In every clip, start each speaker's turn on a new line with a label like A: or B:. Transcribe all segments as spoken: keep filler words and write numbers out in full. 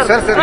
A: Sir sir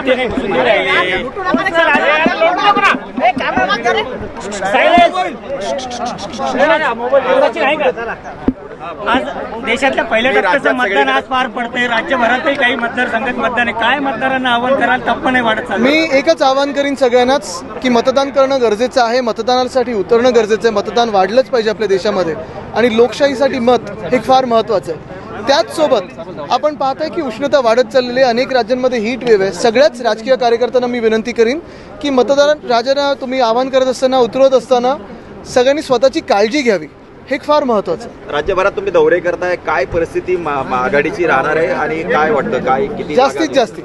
B: आज देशातल्या पहिल्या टप्प्याचं मतदान आज पार पडतंय. राज्यभरातही काही मतदारसंघात मतदान आहे. काय मतदारांना आव्हान कराल? टप्पा नाही वाढत चाललं.
C: मी एकच आवाहन करीन सगळ्यांनाच की मतदान करणं गरजेचं आहे, मतदानासाठी उतरणं गरजेचं आहे, मतदान वाढलंच पाहिजे आपल्या देशामध्ये आणि लोकशाहीसाठी मत हे फार महत्त्वाचं आहे. त्याचसोबत आपण पाहताय की उष्णता वाढत चाललेली आहे, अनेक राज्यांमध्ये हीट वेव्ह आहे. सगळ्याच राजकीय कार्यकर्त्यांना मी विनंती करीन की मतदार राजांना तुम्ही आवाहन करत असताना, उतरवत असताना सगळ्यांनी स्वतःची काळजी घ्यावी, हे फार महत्त्वाचं आहे.
A: राज्यभरात तुम्ही दौरे करताय, काय परिस्थिती आघाडीची राहणार आहे आणि काय वाटतं, काय किती
C: जास्तीत जास्त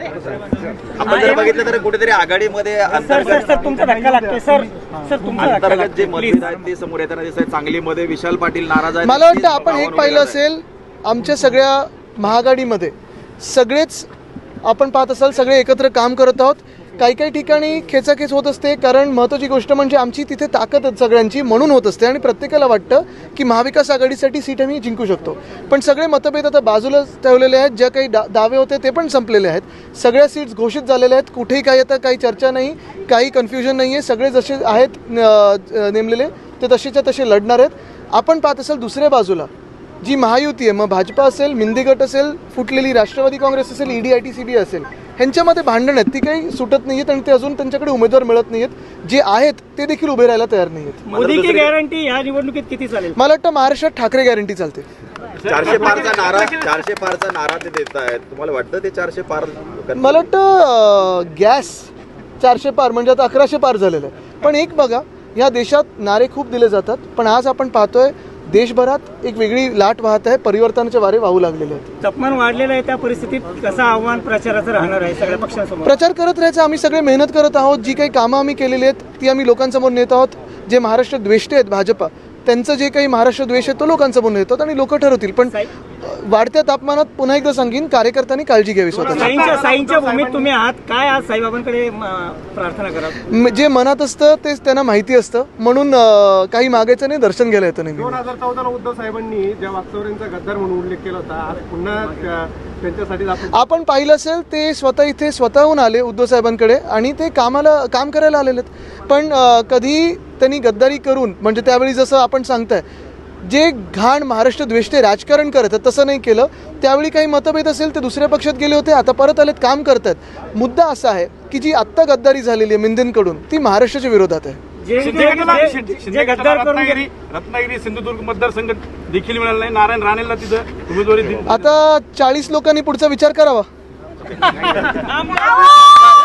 A: आपण जर बघितलं तर कुठेतरी आघाडीमध्ये
B: सर सर
A: अंतर्गत
B: सर तुमचा धक्का लागतोय सर सर तुमचा धक्का
A: अंतर्गत जे
B: लागतोय प्लीज.
A: मतभेद आहेत ते समोर येताना दिसत आहेत. सांगलीमध्ये विशाल पाटील नाराज आहेत.
C: मला वाटतं आपण एक पाहिलं असेल, आमच्या सगळ्या महाआघाडीमध्ये सगळेच आपण पाहत असाल सगळे एकत्र काम करत आहोत. काही काही ठिकाणी खेचाखेच होत असते, कारण महत्त्वाची गोष्ट म्हणजे आमची तिथे ताकद सगळ्यांची म्हणून होत असते आणि प्रत्येकाला वाटतं की महाविकास आघाडीसाठी सीट आम्ही जिंकू शकतो. पण सगळे मतभेद आता बाजूला ठेवलेले आहेत. ज्या काही डा दावे होते ते पण संपलेले आहेत. सगळ्या सीट्स घोषित झालेल्या आहेत. कुठेही काही आता काही चर्चा नाही, काही कन्फ्युजन नाही आहे. सगळे जसे आहेत नेमलेले ते तसेच्या तसे लढणार आहेत. आपण पाहत असाल दुसऱ्या बाजूला जी महायुती आहे, मग भाजपा असेल, मिंदी गट असेल, फुटलेली राष्ट्रवादी काँग्रेस असेल, ED I T C B असेल, ह्यांच्यामध्ये भांडण आहेत. ती काही सुटत नाही आहेत आणि ते अजून त्यांच्याकडे उमेदवार मिळत नाही आहेत. जे आहेत ते देखील उभे राहायला तयार नाही आहेत.
B: मोदी की गॅरंटी या निवडणुकीत किती चालेल?
C: मला वाटतं महाराष्ट्रात ठाकरे गॅरंटी चालते.
A: चारशे पारचा नारा चारशे पारचा नारा ते देत आहेत. तुम्हाला वाटतं ते चारशे पार?
C: मला वाटतं गॅस चारशे पार म्हणजे आता अकराशे पार झालेलं आहे. पण एक बघा, या देशात नारे खूप दिले जातात, पण आज आपण पाहतोय देशभरात एक वेगळी लाट वाहत आहे, परिवर्तनाचे वारे वाहू लागलेले आहेत.
B: तापमान वाढलेलं आहे, त्या परिस्थितीत कसं आव्हान प्रचाराचं राहणार आहे सगळ्या पक्षांसमोर?
C: प्रचार करत राहायचं. आम्ही सगळे मेहनत करत आहोत. जी काही कामं आम्ही केलेली आहेत ती आम्ही लोकांसमोर नेत आहोत. जे महाराष्ट्र द्वेष्टे आहेत भाजपा, त्यांचं जे काही महाराष्ट्र द्वेष आहे तो लोकांसमोर नेतात आणि लोक ठरवतील. पण वाढत्या तापमानात पुन्हा एकदा सांगेन, कार्यकर्त्यांनी काळजी घ्यावी स्वतःची.
B: साईंच्या साईंच्या भूमीत तुम्ही आहात, काय आज साईबाबांकडे म, प्रार्थना करा?
C: जे मनात असतं तेच त्यांना माहिती असतं, म्हणून अं, काही मागायचं नाही, दर्शन घ्यायला येतं नाही.
D: दोन हजार चौदा उद्धव साहेबांनी ज्या वाकचौऱ्यांचा गद्दार म्हणून उल्लेख केला होता, आज पुन्हा त्या- त्यांच्यासाठी आपण
C: आपण पाहिलं असेल ते स्वतः इथे स्वतःहून आले उद्धव साहेबांकडे आणि ते कामाला काम करायला आलेले आहेत. पण अं, कधी त्यांनी गद्दारी करून, म्हणजे त्यावेळी जसं आपण सांगताय जे घाण महाराष्ट्र द्वेष्टे राजकारण करत आहेत तसं नाही केलं. त्यावेळी काही मतभेद असेल ते दुसऱ्या पक्षात गेले होते, आता परत आलेत, काम करत आहेत. मुद्दा असा आहे की जी आत्ता गद्दारी झालेली आहे मिंदेंकडून, ती महाराष्ट्राच्या विरोधात आहे.
B: जे जे- जे- जे गद्दार करून गेले-
D: रत्नागिरी सिंधुदुर्ग मतदारसंघ देखील मिळाला नाही. नारायण राणेला तिथं उमेदवारी दिली.
C: आता चाळीस लोकांनी पुढचा विचार करावा.